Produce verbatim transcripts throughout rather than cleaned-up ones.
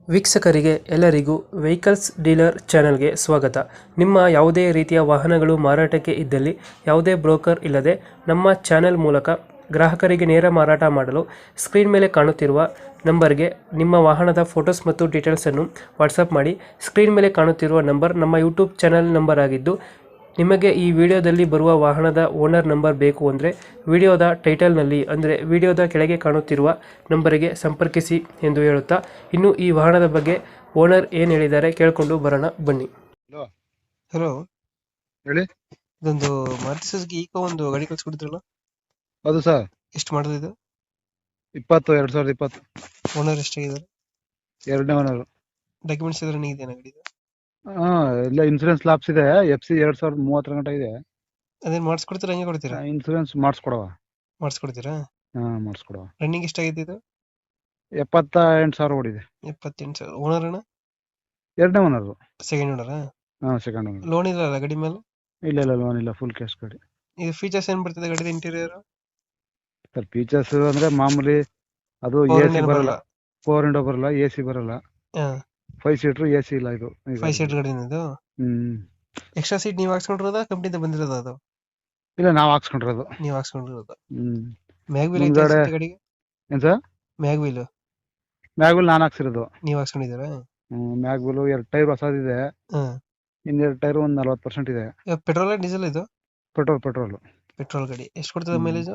ವೀಕ್ಷಕರಿಗೆ ಎಲ್ಲರಿಗೂ vehicles dealer ಚಾನೆಲ್ಗೆ ಸ್ವಾಗತ. ನಿಮ್ಮ ಯಾವುದೇ ರೀತಿಯ ವಾಹನಗಳು ಮಾರಾಟಕ್ಕೆ ಇದ್ದಲ್ಲಿ ಯಾವುದೇ ಬ್ರೋಕರ್ ಇಲ್ಲದೆ ನಮ್ಮ ಚಾನೆಲ್ ಮೂಲಕ ಗ್ರಾಹಕರಿಗೆ ನೇರ ಮಾರಾಟ ಮಾಡಲು ಸ್ಕ್ರೀನ್ ಮೇಲೆ ಕಾಣುತ್ತಿರುವ ನಂಬರ್ಗೆ ನಿಮ್ಮ ವಾಹನದ ಫೋಟೋಸ್ ಮತ್ತು ಡೀಟೇಲ್ಸನ್ನು ವಾಟ್ಸಪ್ ಮಾಡಿ. ಸ್ಕ್ರೀನ್ ಮೇಲೆ ಕಾಣುತ್ತಿರುವ ನಂಬರ್ ನಮ್ಮ ಯೂಟ್ಯೂಬ್ ಚಾನೆಲ್ ನಂಬರ್ ಆಗಿದ್ದು, ನಿಮಗೆ ಈ ವಿಡಿಯೋದಲ್ಲಿ ಬರುವ ವಾಹನದ ಓನರ್ ನಂಬರ್ ಬೇಕು ಅಂದರೆ ವಿಡಿಯೋದ ಟೈಟಲ್ನಲ್ಲಿ ಅಂದರೆ ವಿಡಿಯೋದ ಕೆಳಗೆ ಕಾಣುತ್ತಿರುವ ನಂಬರಿಗೆ ಸಂಪರ್ಕಿಸಿ ಎಂದು ಹೇಳುತ್ತಾ, ಇನ್ನು ಈ ವಾಹನದ ಬಗ್ಗೆ ಓನರ್ ಏನು ಹೇಳಿದ್ದಾರೆ ಕೇಳಿಕೊಂಡು ಬರೋಣ ಬನ್ನಿ. ಹಲೋ ಹಲೋ, ಹೇಳಿ. ಇದೊಂದು ಮಾರುತಿ ಸುಜುಕಿ ಈಕೋ ಒಂದು ಗಾಡಿ ಕಳ್ಸಿಕೊಡಿದ್ರಲ್ಲ, ಹೌದು ಸರ್. ಎಷ್ಟು ಮಾಡೋದು ಇದು? ಇಪ್ಪತ್ತು ಎರಡ್ ಸಾವಿರದ ಇಪ್ಪತ್ತು. ಓನರ್ ಎಷ್ಟಾಗಿದ್ದಾರೆ? ಎರಡನೇ ಓನರ್. ಡಾಕ್ಯುಮೆಂಟ್ಸ್ ಎಲ್ಲ ರನ್ನಿಂಗ್ ಇದೆಯಾ ಗಾಡಿದು? ಹಾ, ಇಲ್ಲ ಇನ್ಸೂರೆನ್ಸ್ ಲಾಪ್ಸ್ ಇದೆ. ಎಫ್ ಸಿ ಎರಡ್ ಸಾವಿರದ ಮೂವತ್ತರ ಗಂಟೆ ಇದೆ. ಅದೇನು ಮಾಡಿಸ್ಕೊಡ್ತೀರಾ, ಹಂಗೆ ಕೊಡ್ತೀರಾ? ಇನ್ಸೂರೆನ್ಸ್ ಮಾಡಿಸ್ಕೊಡವ. ಮಾಡಿಸ್ಕೊಡ್ತೀರಾ? ಹಾ, ಮಾಡಿಸ್ಕೊಡವ. ರನ್ನಿಂಗ್ ಎಷ್ಟಾಗಿದೆ ಇದು? ಎಪ್ಪತ್ತ ಎಂಟು ಸಾವಿರ ಓಡಿದೆ. ಎಪ್ಪತ್ತೆಂಟು ಸಾವಿರ. ಓನರ್ ಅಣ್ಣ? ಎರಡನೇ ಓನರ್. ಸೆಕೆಂಡ್ ಓನರಾ? ಹಾ, ಸೆಕೆಂಡ್ ಓನರ್. ಲೋನ್ ಇಲ್ಲ ಗಾಡಿ ಮೇಲೆ? ಇಲ್ಲ ಇಲ್ಲ, ಲೋನ್ ಇಲ್ಲ, ಫುಲ್ ಕ್ಯಾಶ್ ಗಾಡಿ. ಇದು ಫೀಚರ್ಸ್ ಏನ್ ಬರ್ತದೆ ಗಾಡಿ ಇಂಟೀರಿಯರ್? ಸರ್, ಫೀಚರ್ಸ್ ಅಂದ್ರೆ ಮಾಮೂಲಿ ಅದು ಎ ಸಿ ಬರಲ್ಲ, ಫೋರ್ ವಿಂಡೋ ಬರಲ್ಲ, ಎ ಸಿ ಬರಲ್ಲ, ಫೈವ್ ಸೀಟರ್ ಎ ಸಿ ಇಲ್ಲ. ಇದು ಫೈವ್ ಸೀಟ್ ಗಾಡಿ ಇದು. ಹ್ಮ್ ಎಕ್ಸ್ಟ್ರಾ ಸೀಟ್ ನೀವು ಹಾಕ್ಸ್ಕೊಂಡಿರೋದಾ ಕಂಪ್ನಿಯಿಂದ ಬಂದಿರೋದು ಅದು? ಇಲ್ಲ, ನಾವ್ ಹಾಕ್ಸ್ಕೊಂಡಿರೋದು. ನೀವು ಹಾಕ್ಸ್ಕೊಂಡಿರೋದು. ಹ್ಮ್ ಮ್ಯಾಗ್ ವೀಲ್ ಮುಂದ್ಗಡೆ ಗಾಡಿಗೆ? ಏನ್ sir? Mag wheel mag wheel ನಾನ್ ಹಾಕ್ಸಿರೋದು. ನೀವು ಹಾಕ್ಸ್ಕೊಂಡಿದ್ದೀರಾ? ಹ್ಮ್ ಮ್ಯಾಗ್ ವೀಲ್ ಎರಡ್ ಟೈರ್ ಹೊಸದಿದೆ. ಹ್ಮ್ ಇನ್ನೆರಡು ಟೈರ್ ಒಂದ್ ನಲ್ವತ್ತು ಪರ್ಸೆಂಟ್ ಇದೆ. ಪೆಟ್ರೋಲ್ ಡೀಸೆಲ್ ಇದು? ಪೆಟ್ರೋಲ್ ಪೆಟ್ರೋಲ್ ಪೆಟ್ರೋಲ್ ಗಾಡಿ. ಎಷ್ಟು ಕೊಡ್ತದೆ ಮೈಲೇಜ್?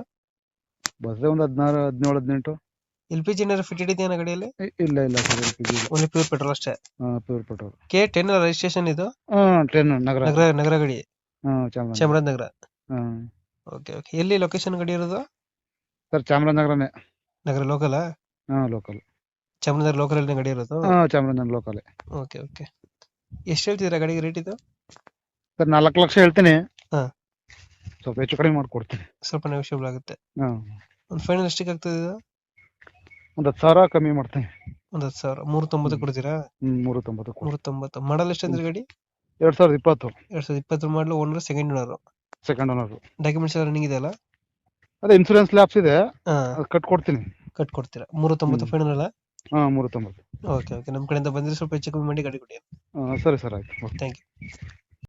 ಬಸ್ ಒಂದ್ ಹದಿನಾರು ಹದಿನೇಳು ಹದಿನೆಂಟು. ಎಲ್ ಪಿ ಜಿ ಏನಾದ್ರು ಫಿಟೆಡ್ ಇದೆಯಾ ಗಾಡಿಯಲ್ಲಿ? ಇ- ಇಲ್ಲ ಇಲ್ಲ ಸರ್, ಎಲ್ ಪಿ ಜಿ ಇಲ್ಲ. ಓನ್ಲಿ ಪ್ಯೂರ್ ಪೆಟ್ರೋಲ್ ಅಷ್ಟೇ? Pure petrol. K ten registration ಇದು? ಹ್ಮ್ ಟ್ರೈನ್ ನಗರ. ನಗರ ನಗರ ಗಾಡಿ? Hmm Chamaraja. Chamarajanagar. Hmm okay okay. ಎಲ್ಲಿ ಲೊಕೇಶನ್ ಗಾಡಿ ಇರೋದು? ಸರ್, ಚಾಮರಾಜನಗರನೇ. ನಗರ ಲೋಕಲ್? ಹಾ, ಲೋಕಲ್. ಚಾಮರಾಜನಗರ ಲೋಕಲ್ ಅಲ್ಲಿ ಗಾಡಿ ಇರೋದು? ಹಾ, ಚಾಮರಾಜನಗರ ಲೋಕಲ್. Okay okay. ಎಷ್ಟು ಹೇಳ್ತಿದ್ದೀರಾ ಗಾಡಿಗೆ ರೇಟ್ ಇದು? ಸರ್, ನಾಲ್ಕು ಲಕ್ಷ ಹೇಳ್ತೀನಿ. ಹಾ. ಸ್ವಲ್ಪ ಹೆಚ್ಚು ಕಡಿಮೆ ಮಾಡ್ಕೊಡ್ತೀನಿ. ಸ್ವಲ್ಪ ನೆಗೋಷಿಯಬಲ್ ಆಗುತ್ತೆ. ಹಾ, ಒಂದು ಫೈನಲ್ ಎಷ್ಟಕ್ಕೆ ಆಗ್ತದೆ ಇದು? ಒಂದ್ ಹತ್ತು ಸಾವಿರ ಕಮ್ಮಿ ಮಾಡ್ತೀನಿ. ಒಂದ್ ಹತ್ತು ಸಾವಿರ. ಮೂರು ತೊಂಬತ್ತು ಕೊಡ್ತೀರಾ? ಹ್ಮ್ ಮೂರು ತೊಂಬತ್ತು ಕೊಡಿ. ಮೂರು ತೊಂಬತ್ತು. ಮಾಡಲ್ ಎಷ್ಟು ಅಂದ್ರೆ ಗಾಡಿ? ಎರಡ್ ಸಾವಿರದ ಇಪ್ಪತ್ತು. ಎರಡ್ ಸಾವಿರದ ಇಪ್ಪತ್ತರ ಮಾಡಲು. Owner second owner. Second owner. Documents ಎಲ್ಲ ರನ್ನಿಂಗ್ ಇದೆಯಲ್ಲ? ಅದೇ ಇನ್ಸೂರೆನ್ಸ್ ಲ್ಯಾಪ್ಸ್ ಇದೆ, ಹಾ, ಅದು ಕಟ್ ಕೊಡ್ತೀನಿ. ಕಟ್ ಕೊಡ್ತೀರಾ? ಮೂರು ತೊಂಬತ್ತು ಫೈನಲ್ ಅಲ್ಲ? ಹಾ, ಮೂರು ತೊಂಬತ್ತು. Okay okay. ನಮ್ಮ ಕಡೆಯಿಂದ ಬಂದ್ರೆ ಸ್ವಲ್ಪ ಹೆಚ್ಚು ಕಮ್ಮಿ ಮಾಡಿ ಗಾಡಿ ಕೊಡಿ. ಹಾ, ಸರಿ ಸರ್, ಆಯ್ತು. Thank you.